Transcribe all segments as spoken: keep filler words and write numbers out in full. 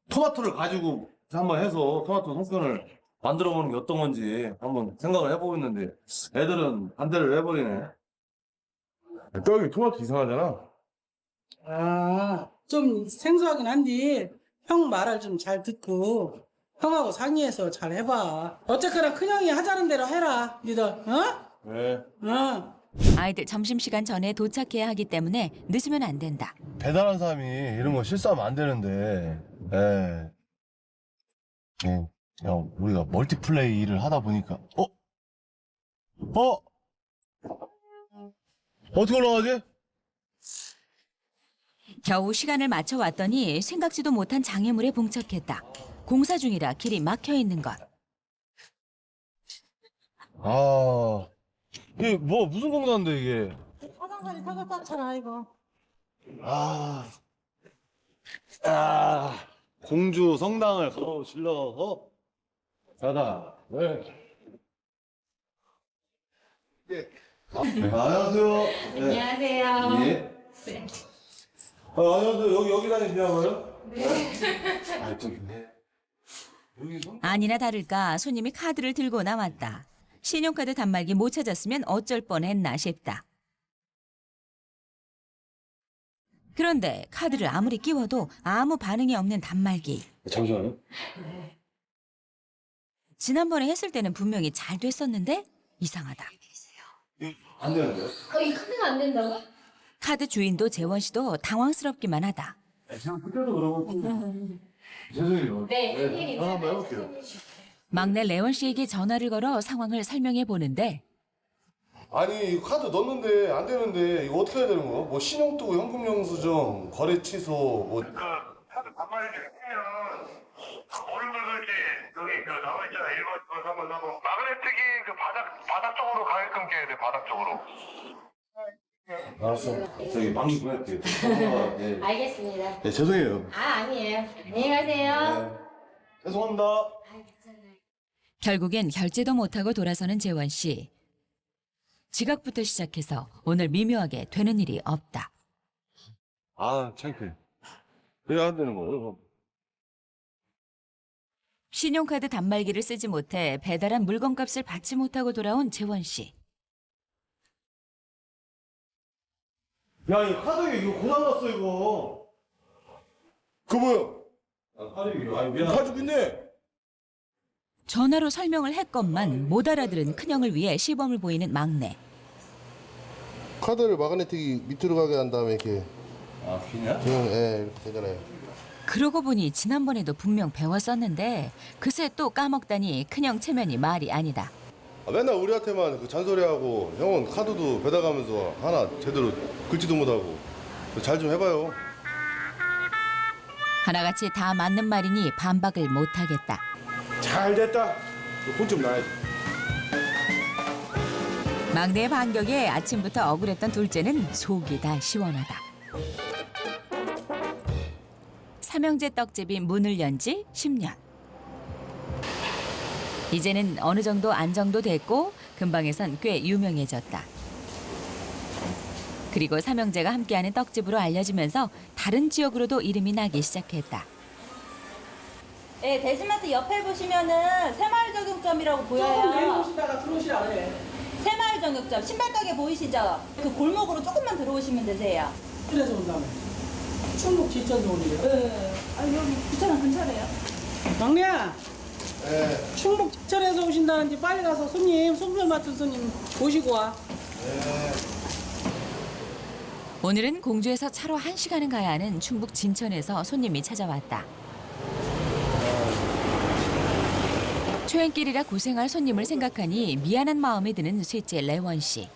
토마토를 가지고 한번 해서 토마토 송편을 만들어 보는 게 어떤 건지 한번 생각을 해보고 있는데 애들은 반대를 해버리네. 떡이 토마토 이상하잖아. 아, 좀 생소하긴 한데 형 말을 좀 잘 듣고 형하고 상의해서 잘 해봐. 어쨌거나 큰형이 하자는 대로 해라, 니들. 어? 네. 어. 아이들 점심시간 전에 도착해야 하기 때문에 늦으면 안 된다. 배달한 사람이 이런 거 실수하면 안 되는데, 예. 예. 그냥 우리가 멀티플레이를 하다 보니까, 어? 어? 어떻게 올라가지? 겨우 시간을 맞춰 왔더니 생각지도 못한 장애물에 봉착했다. 공사 중이라 길이 막혀 있는 것. 아, 이게 뭐, 무슨 공사인데, 이게? 화장실이 타고 땄잖아, 이거. 아, 아, 공주 성당을 가로질러서 가다. 네. 예. 아, 네. 안녕하세요. 네. 안녕하세요. 예. 아, 안녕하세요. 여기, 여기 다니시냐고요? 네. 아, 저기, 네. 여기 성... 아니나 다를까 손님이 카드를 들고 나왔다. 신용카드 단말기 못 찾았으면 어쩔 뻔했나 싶다. 그런데 카드를 아무리 끼워도 아무 반응이 없는 단말기. 잠시만요. 지난번에 했을 때는 분명히 잘 됐었는데 이상하다. 안 되는데요? 어, 이 카드가 안 된다고? 카드 주인도 재원 씨도 당황스럽기만 하다. 그냥 그때도 그러고. 죄송해요. 네, 선생님. 하나 한번 해볼게요. 막내 레원 씨에게 전화를 걸어 상황을 설명해 보는데 아니 이거 카드 넣었는데 안 되는데 이거 어떻게 해야 되는 거야? 뭐 신용 뜨고 현금 영수증, 거래 취소, 뭐 그 카드 단말기 쓰면 뭐를 긁을지 여기 그 나와 있잖아. 일 번, 이 번, 삼 번, 사 번. 마그네틱이 그 바닥 바닥 쪽으로 가게끔 깨야 돼. 바닥 쪽으로. 알았어. 저기 방귀 보낼게요. 예. 알겠습니다. 네, 죄송해요. 아, 아니에요. 안녕히 가세요. 네. 죄송합니다. 아, 괜찮아요. 결국엔 결제도 못하고 돌아서는 재원 씨. 지각부터 시작해서 오늘 미묘하게 되는 일이 없다. 아 창피해. 왜 안 되는 거예요? 신용카드 단말기를 쓰지 못해 배달한 물건값을 받지 못하고 돌아온 재원 씨. 야 이거 카드 이거 고장 났어 이거. 그 뭐야? 아, 카드 이거 아니 미안. 가지고 있네. 전화로 설명을 했건만 못 알아들은 큰형을 위해 시범을 보이는 막내. 카드를 마그네틱이 밑으로 가게 한 다음에 이렇게 아 귀냐? 그냥 예 이렇게 되잖아요. 그러고 보니 지난번에도 분명 배웠었는데 그새 또 까먹다니 큰형 체면이 말이 아니다. 아, 맨날 우리한테만 그 잔소리하고 형은 카드도 배달가면서 하나 제대로 긁지도 못하고 잘 좀 해봐요. 하나같이 다 맞는 말이니 반박을 못하겠다. 잘 됐다. 혼 좀 나야지. 막내의 반격에 아침부터 억울했던 둘째는 속이 다 시원하다. 삼형제 떡집이 문을 연 지 십 년. 이제는 어느 정도 안정도 됐고 근방에선 꽤 유명해졌다. 그리고 삼형제가 함께하는 떡집으로 알려지면서 다른 지역으로도 이름이 나기 시작했다. 네, 대지마트 옆에 보시면은 새마을 정육점이라고 조금 보여요. 내려오시다가 들어오시라 그래. 새마을 정육점 신발 가게 보이시죠? 그 골목으로 조금만 들어오시면 되세요. 그래서 온다며. 충북 지천도 오는데. 네. 아 여기 부천은 근처래요. 막내야. 예. 충북 지천에서 오신다는데 빨리 가서 손님, 송편 맡은 손님 모시고 와. 오늘은 공주에서 차로 한 시간은 가야 하는 충북 진천에서 손님이 찾아왔다. 초행길이라 고생할 손님을 생각하니 미안한 마음이 드는 셋째 레원 씨.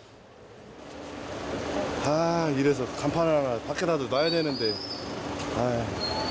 아 이래서 간판 하나 밖에다도 놔야 되는데. 아.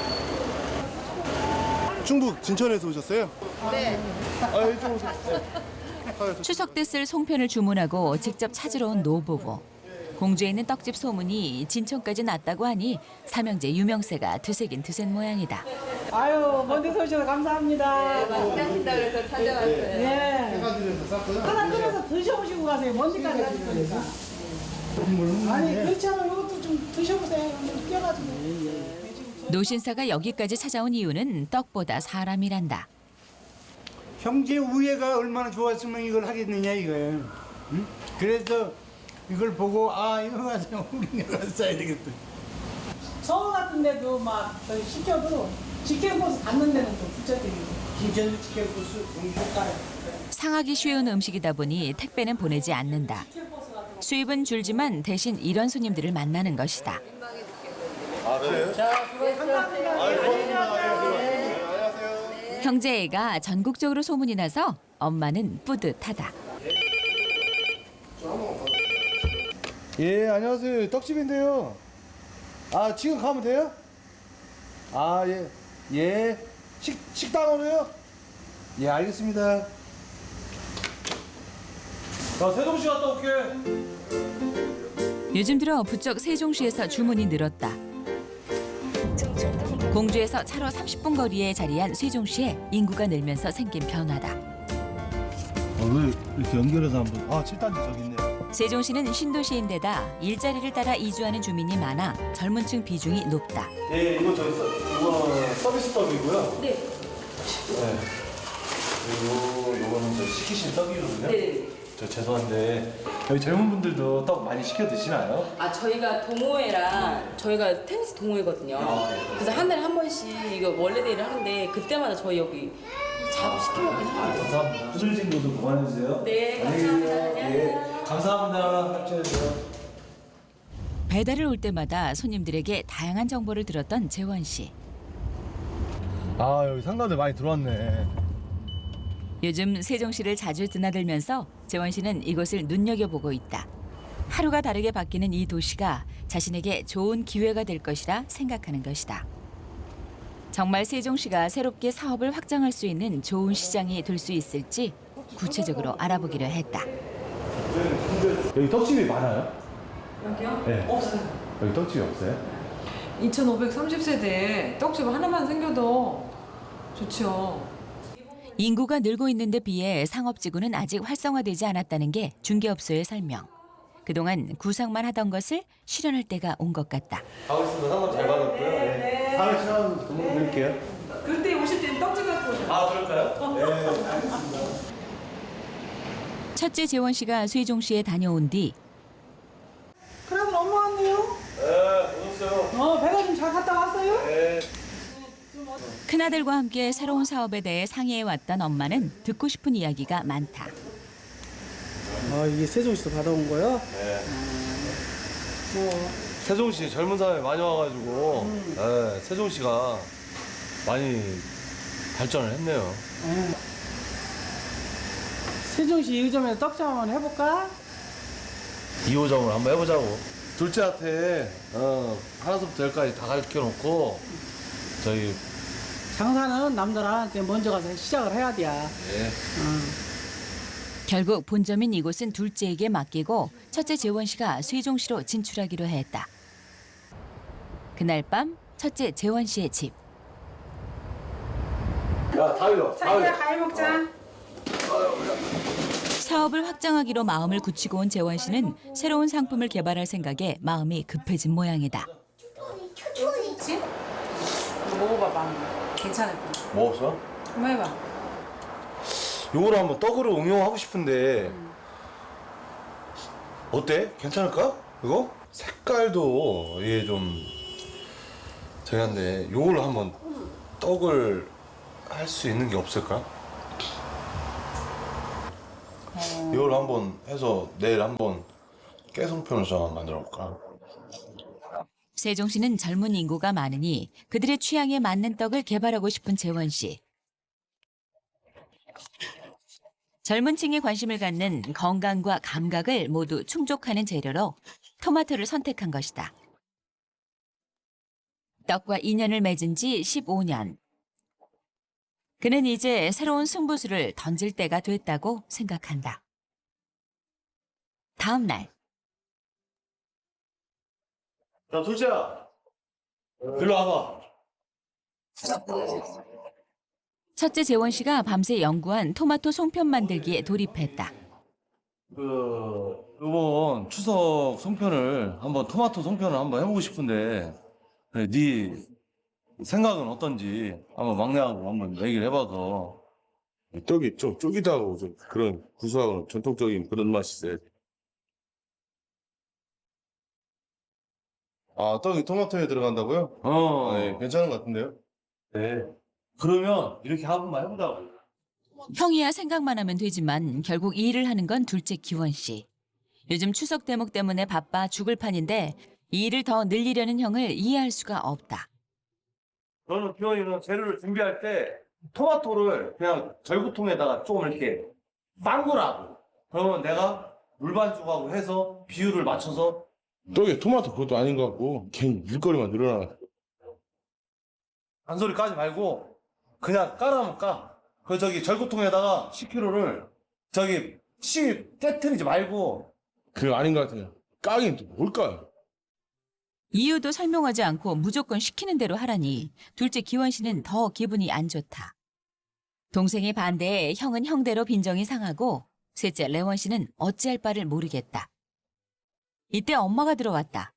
충북 진천에서 오셨어요? 네. 아 이쪽 오세요. 네. 추석 때 쓸 송편을 주문하고 직접 찾으러 온 노부부. 공주에 있는 떡집 소문이 진천까지 났다고 하니 삼형제 유명세가 드세긴 드센 모양이다. 아유, 먼 데서 오셔서 감사합니다. 맛있다신다 그래서 찾아왔어요. 네. 하나 끓여서 드셔보시고 가세요. 먼 데까지 가실 거니까. 아니, 그렇지 않으면 이것도 좀 드셔보세요. 좀 껴가지고. 노신사가 여기까지 찾아온 이유는 떡보다 사람이란다. 형제 우애가 얼마나 좋았으면 이걸 하겠느냐 이거예요. 응? 그래서 이걸 보고 아 이거 가서 우리가 가서 써야 되겠다. 서울 같은 데도 막 저희 시켜도 직행버스 받는 데는 또 부채드리고 김천도 치킨버스 공주가요. 상하기 쉬운 음식이다 보니 택배는 보내지 않는다. 수입은 줄지만 대신 이런 손님들을 만나는 것이다. 형제애가 전국적으로 소문이 나서 엄마는 뿌듯하다. 예, 안녕하세요. 떡집인데요. 아, 지금 가면 돼요? 아, 예. 예. 식, 식당으로요? 예, 알겠습니다. 나 세종시 갔다 올게. 요즘 들어 부쩍 세종시에서 주문이 늘었다. 공주에서 차로 삼십 분 거리에 자리한 세종시에 인구가 늘면서 생긴 변화다. 어, 왜 이렇게 연결해서 한번. 아, 칠 단지 저기 있네요. 세종시는 신도시인데다 일자리를 따라 이주하는 주민이 많아 젊은 층 비중이 높다. 예, 이거 저기 서, 이거 서비스 떡이고요. 네. 네. 그리고 요거는 저 시키신 떡이거든요. 네. 저 죄송한데 여기 젊은 분들도 떡 많이 시켜 드시나요? 아 저희가 동호회랑 저희가 테니스 동호회거든요. 그래서 한 달에 한 번씩 이거 원래 데이를 하는데 그때마다 저희 여기 자주 시켜 먹긴 해요. 감사합니다. 후들진 것도 그만해주세요. 네, 안녕히 감사합니다. 계세요. 예, 감사합니다. 합주해주세요. 배달을 올 때마다 손님들에게 다양한 정보를 들었던 재원 씨. 아, 여기 상가들 많이 들어왔네. 요즘 세종시를 자주 드나들면서 재원 씨는 이곳을 눈여겨보고 있다. 하루가 다르게 바뀌는 이 도시가 자신에게 좋은 기회가 될 것이라 생각하는 것이다. 정말 세종시가 새롭게 사업을 확장할 수 있는 좋은 시장이 될 수 있을지 구체적으로 알아보기로 했다. 여기 떡집이 많아요? 여기요? 네. 없어요. 여기 떡집이 없어요? 이천오백삼십 세대에 떡집 하나만 생겨도 좋죠. 인구가 늘고 있는 데 비해 상업지구는 아직 활성화되지 않았다는 게 중개업소의 설명. 그동안 구상만 하던 것을 실현할 때가 온 것 같다. 가겠습니다. 상담 잘 받았고요. 네. 다음에 시간 좀 드릴게요. 그때 오실 때는 떡집 갖고 오세요. 아, 그럴까요? 네. 첫째 재원 씨가 세종시에 다녀온 뒤 그러면 엄마 왔네요? 네, 오셨어요. 어 배가 좀 잘 갔다 왔어요? 네. 큰아들과 함께 새로운 사업에 대해 상의해왔던 엄마는 듣고 싶은 이야기가 많다. 아 이게 세종시에서 받아온 거요? 네. 뭐 세종시 젊은 사람이 많이 와가지고 음. 네, 세종시가 많이 발전을 했네요. 음. 세종시 이 호점에서 떡집 한번 해볼까? 이 호점을 한번 해보자고. 둘째한테 어, 하나부터 열까지 다 가르쳐 놓고 저희 장사는 남들한테 먼저 가서 시작을 해야 돼. 예. 결국 본점인 이곳은 둘째에게 맡기고 첫째 재원 씨가 세종시로 진출하기로 했다. 그날 밤 첫째 재원 씨의 집. 야, 다일러. 자기야 가위 먹자. 사업을 확장하기로 마음을 굳히고 온 재원 씨는 새로운 상품을 개발할 생각에 마음이 급해진 모양이다. 먹어봐봐. 괜찮을 거야. 먹었어? 한번 해봐. 요거를 한번 떡으로 응용하고 싶은데 어때? 괜찮을까? 이거? 색깔도 이게 좀 저기 한데 요걸로 한번 떡을 할 수 있는 게 없을까? 이걸 한번 해서 내일 한번 깨송편을 좀 한번 만들어 볼까? 세종시는 젊은 인구가 많으니 그들의 취향에 맞는 떡을 개발하고 싶은 재원 씨. 젊은 층이 관심을 갖는 건강과 감각을 모두 충족하는 재료로 토마토를 선택한 것이다. 떡과 인연을 맺은 지 십오 년. 그는 이제 새로운 승부수를 던질 때가 됐다고 생각한다. 다음 날. 야, 둘째야. 일로 와봐. 첫째 재원 씨가 밤새 연구한 토마토 송편 만들기에 돌입했다. 그 이번 추석 송편을 한번 토마토 송편을 한번 해보고 싶은데 그래, 네 생각은 어떤지 한번 막내하고 한번 얘기를 해봐서. 떡이 좀 쫄깃하고 좀 그런 구수하고 전통적인 그런 맛이 있어요. 아, 떡이 토마토에 들어간다고요? 어. 네, 괜찮은 것 같은데요? 네. 그러면 이렇게 한번만 해보자고. 형이야 생각만 하면 되지만 결국 이 일을 하는 건 둘째 기원 씨. 요즘 추석 대목 때문에 바빠 죽을 판인데 이 일을 더 늘리려는 형을 이해할 수가 없다. 저는 기원이는 재료를 준비할 때 토마토를 그냥 절구통에다가 조금 이렇게 빵구라고. 그러면 내가 물반죽하고 해서 비율을 맞춰서. 떡에 토마토 그것도 아닌 것 같고 괜히 일거리만 늘어나. 잔소리 까지 말고 그냥 까라면 까. 그 저기 절구통에다가 십 킬로그램를 저기 씨 깨트리지 말고. 그거 아닌 것 같아요. 까긴 또 뭘까요? 이유도 설명하지 않고 무조건 시키는 대로 하라니 둘째 기원 씨는 더 기분이 안 좋다. 동생의 반대에 형은 형대로 빈정이 상하고 셋째 레원 씨는 어찌할 바를 모르겠다. 이때 엄마가 들어왔다.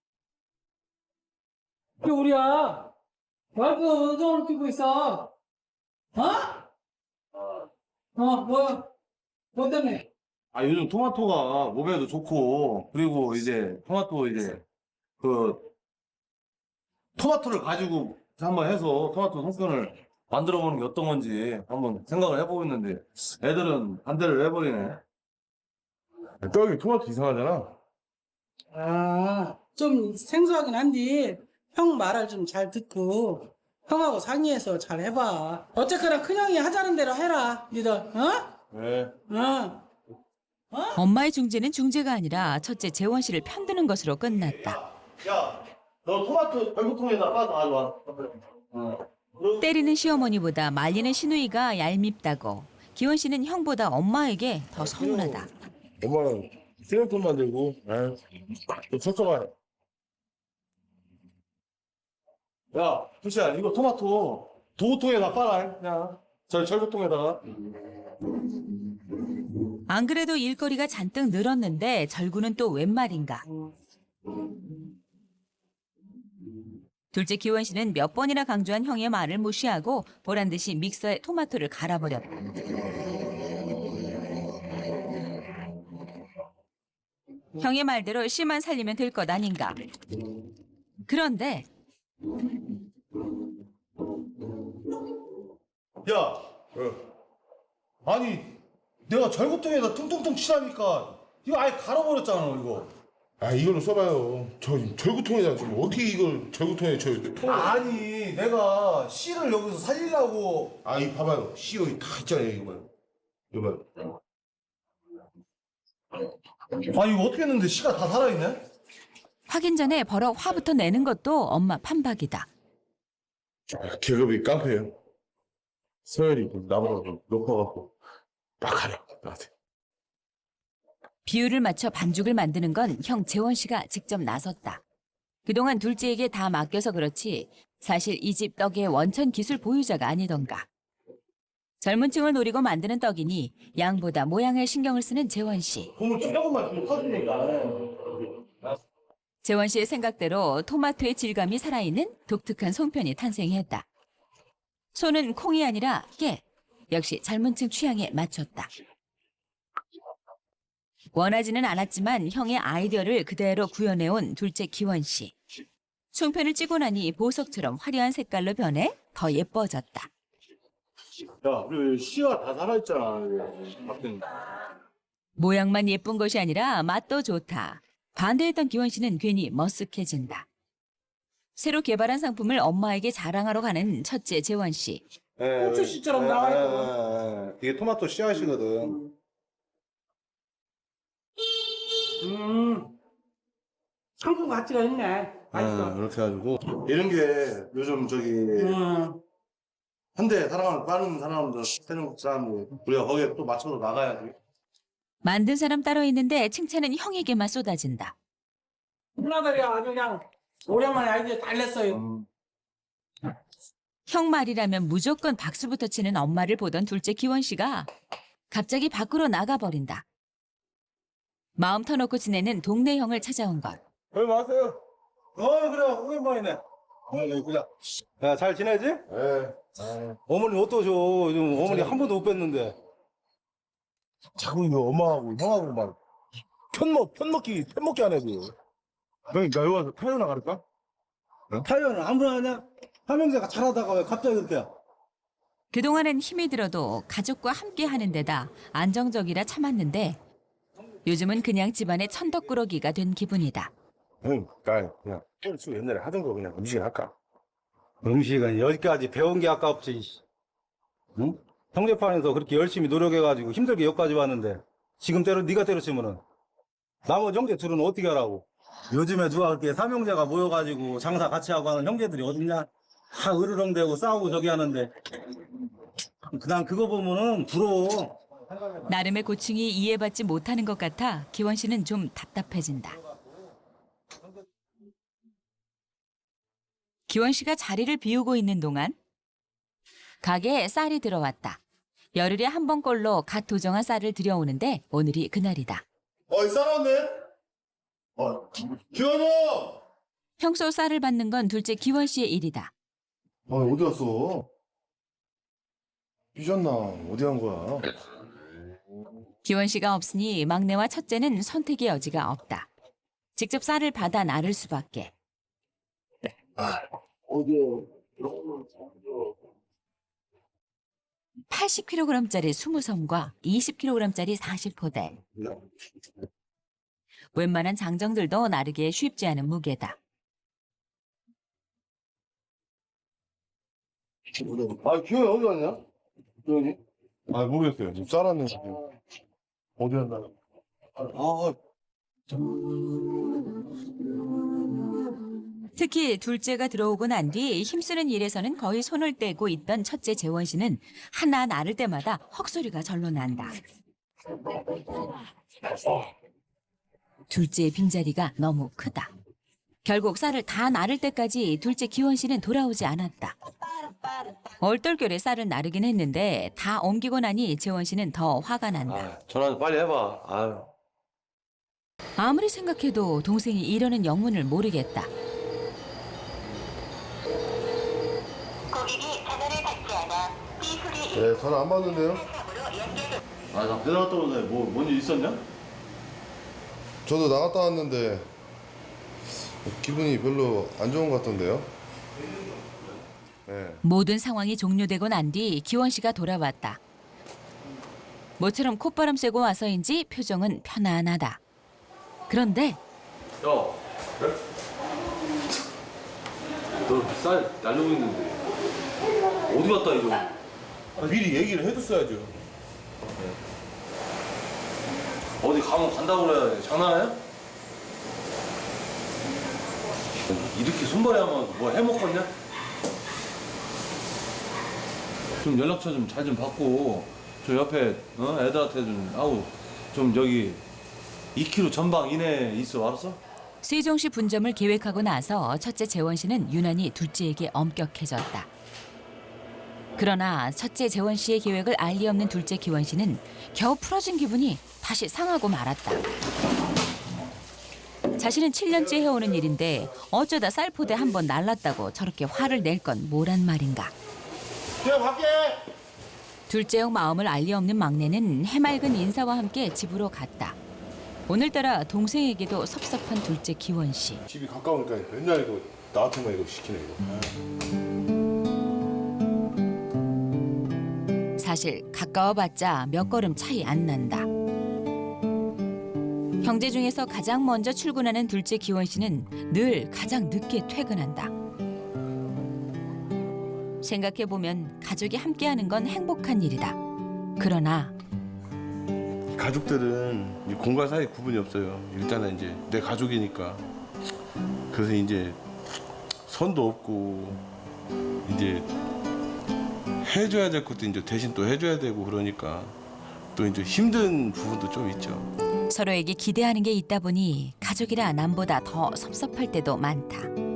이게 우리야. 말도 은정을 뛰고 있어. 어? 어, 뭐야? 뭐 때문에? 아 요즘 토마토가 몸에도 좋고 그리고 이제 토마토 이제 그 토마토를 가지고 한번 해서 토마토 송편을 만들어 보는 게 어떤 건지 한번 생각을 해보고 있는데 애들은 반대를 해버리네. 떡이 토마토 이상하잖아. 아, 좀 생소하긴 한데 형 말을 좀 잘 듣고 형하고 상의해서 잘 해봐. 어쨌거나 큰형이 하자는 대로 해라, 니들. 어? 네. 어. 엄마의 중재는 중재가 아니라 첫째 재원 씨를 편드는 것으로 끝났다. 야, 너 토마토 절구통에다 빠져 가져와. 어. 때리는 시어머니보다 말리는 시누이가 얄밉다고 기원 씨는 형보다 엄마에게 더 서운하다. 엄마는 생각돈 만들고, 아유, 또 섭섭하네. 야, 두시야, 이거 토마토 도구통에다 빨아. 그냥 저 절구통에다가. 안 그래도 일거리가 잔뜩 늘었는데 절구는 또 웬 말인가. 둘째 기원 씨는 몇 번이나 강조한 형의 말을 무시하고 보란 듯이 믹서에 토마토를 갈아버렸다. 형의 말대로 씨만 살리면 될 것 아닌가. 그런데 야, 어. 아니 내가 절구통에다 퉁퉁퉁 치라니까 이거 아예 갈아버렸잖아 이거. 아, 이걸로 써봐요. 저 절구통에다 지금 어떻게 이걸 절구통에 저 통. 아니 내가 씨를 여기서 살리려고. 아, 이 봐봐요. 씨 여기 다 있잖아요. 이거 봐요. 이거 봐요. 아니 이거 어떻게 했는데 씨가 다 살아있네? 확인 전에 버럭 화부터 내는 것도 엄마 판박이다. 아, 계급이 깡패예요. 서열이 나보다 좀 높아갖고 막 하려 나한테. 비율을 맞춰 반죽을 만드는 건 형 재원 씨가 직접 나섰다. 그동안 둘째에게 다 맡겨서 그렇지 사실 이 집 떡의 원천 기술 보유자가 아니던가. 젊은 층을 노리고 만드는 떡이니 양보다 모양에 신경을 쓰는 재원 씨. 보면 조금만 좀 터지니까. 재원 씨의 생각대로 토마토의 질감이 살아있는 독특한 송편이 탄생했다. 손은 콩이 아니라 깨. 역시 젊은 층 취향에 맞췄다. 원하지는 않았지만 형의 아이디어를 그대로 구현해온 둘째 기원 씨. 송편을 찌고 나니 보석처럼 화려한 색깔로 변해 더 예뻐졌다. 야, 우리 씨가 다 살아있잖아. 모양만 예쁜 것이 아니라 맛도 좋다. 반대했던 기원 씨는 괜히 머쓱해진다. 새로 개발한 상품을 엄마에게 자랑하러 가는 첫째 재원 씨. 고추 씨처럼 나와있고. 이게 토마토 씨앗이거든. 음, 상품 가치가 있네. 맛있어. 아, 이렇게 해가지고 이런 게 요즘 저기 음. 현대 사랑하는 빠른 사람들, 세는 사람들 우리가 거기에 또 맞춰서 나가야지. 만든 사람 따로 있는데 칭찬은 형에게만 쏟아진다. 누나들이 아주 그냥 오랜만에 아이디어 잘 냈어요. 음. 형 말이라면 무조건 박수부터 치는 엄마를 보던 둘째 기원 씨가 갑자기 밖으로 나가버린다. 마음 터놓고 지내는 동네 형을 찾아온 것. 여기 마세요. 어, 그래. 오랜만이네. 야, 잘 지내지? 예. 어머니 어떠셔? 요즘 어머니 한 번도 못 뵀는데. 자꾸 이거 엄마하고 형하고 막 편먹 편먹기 편먹기 안 해도. 그러니까 여기 와서 타요 나갈까? 타이어는 아무나 하냐? 삼형제가 잘하다가 왜 갑자기 그렇게. 그동안은 힘이 들어도 가족과 함께 하는 데다 안정적이라 참았는데 요즘은 그냥 집안의 천덕꾸러기가 된 기분이다. 응, 그러니까 그냥 수 옛날에 하던 거 그냥 음식 할까? 음식은 여기까지 배운 게 아깝지. 응? 형제판에서 그렇게 열심히 노력해가지고 힘들게 여기까지 왔는데 지금 때로 네가 때려치면은 나머지 형제 둘은 어떻게 하라고? 요즘에 누가 그렇게 삼형제가 모여가지고 장사 같이 하고 하는 형제들이 어딨냐? 다 으르렁대고 싸우고 저기 하는데 그냥 그거 보면은 부러워. 나름의 고충이 이해받지 못하는 것 같아 기원 씨는 좀 답답해진다. 기원 씨가 자리를 비우고 있는 동안 가게에 쌀이 들어왔다. 열흘에 한 번꼴로 갓 도정한 쌀을 들여오는데 오늘이 그날이다. 어이 싸놨네. 어, 기원아. 평소 쌀을 받는 건 둘째 기원 씨의 일이다. 아 어디 갔어? 삐졌나? 어디 간 거야? 기원 씨가 없으니 막내와 첫째는 선택의 여지가 없다. 직접 쌀을 받아 나를 수밖에. 팔십 킬로그램짜리 이십 섬과 이십 킬로그램짜리 사십 포대. 웬만한 장정들도 나르기에 쉽지 않은 무게다. 아 기원이 어디 갔냐? 기원이? 아 모르겠어요. 지금 싸놨네 지금. 어디 갔나? 아. 특히 둘째가 들어오고 난 뒤 힘쓰는 일에서는 거의 손을 떼고 있던 첫째 재원 씨는 하나 나를 때마다 헉소리가 절로 난다. 둘째의 빈자리가 너무 크다. 결국 쌀을 다 나를 때까지 둘째 기원 씨는 돌아오지 않았다. 얼떨결에 쌀을 나르긴 했는데 다 옮기고 나니 재원 씨는 더 화가 난다. 아, 전화 좀 빨리 해봐. 아유. 아무리 생각해도 동생이 이러는 영문을 모르겠다. 네 전화 안 받는데요? 아, 나 배달 갔다 오는데 뭐, 뭔 일 있었냐? 저도 나갔다 왔는데 기분이 별로 안 좋은 것 같던데요? 네. 모든 상황이 종료되고 난 뒤 기원 씨가 돌아왔다. 모처럼 콧바람 쐬고 와서인지 표정은 편안하다. 그런데 야, 그래? 너 쌀 날리고 있는데 어디 갔다 이거? 아, 미리 얘기를 해줬어야죠. 어디 가면 간다고 그래. 장난해? 이렇게 손발이 하면 뭐 해먹겠냐? 좀 연락처 좀 잘 좀 받고 저 옆에 어? 애들한테 좀 아우 좀 여기 이 킬로미터 전방 이내에 있어 알았어? 세종시 분점을 계획하고 나서 첫째 재원 씨는 유난히 둘째에게 엄격해졌다. 그러나 첫째 재원 씨의 계획을 알 리 없는 둘째 기원 씨는 겨우 풀어진 기분이 다시 상하고 말았다. 자신은 칠 년째 해오는 일인데 어쩌다 쌀포대 한 번 날랐다고 저렇게 화를 낼 건 뭐란 말인가. 그냥 갈게. 둘째 형 마음을 알 리 없는 막내는 해맑은 인사와 함께 집으로 갔다. 오늘따라 동생에게도 섭섭한 둘째 기원 씨. 집이 가까우니까 맨날 이거 나한테만 이거 시키네 이거. 사실 가까워봤자 몇 걸음 차이 안 난다. 형제 중에서 가장 먼저 출근하는 둘째 기원 씨는 늘 가장 늦게 퇴근한다. 생각해보면 가족이 함께하는 건 행복한 일이다. 그러나 가족들은 이 공간 사이 구분이 없어요. 일단은 이제 내 가족이니까. 그래서 이제 선도 없고 이제 해줘야 될 것도 이제 대신 또 해줘야 되고 그러니까 또 이제 힘든 부분도 좀 있죠. 서로에게 기대하는 게 있다 보니 가족이라 남보다 더 섭섭할 때도 많다.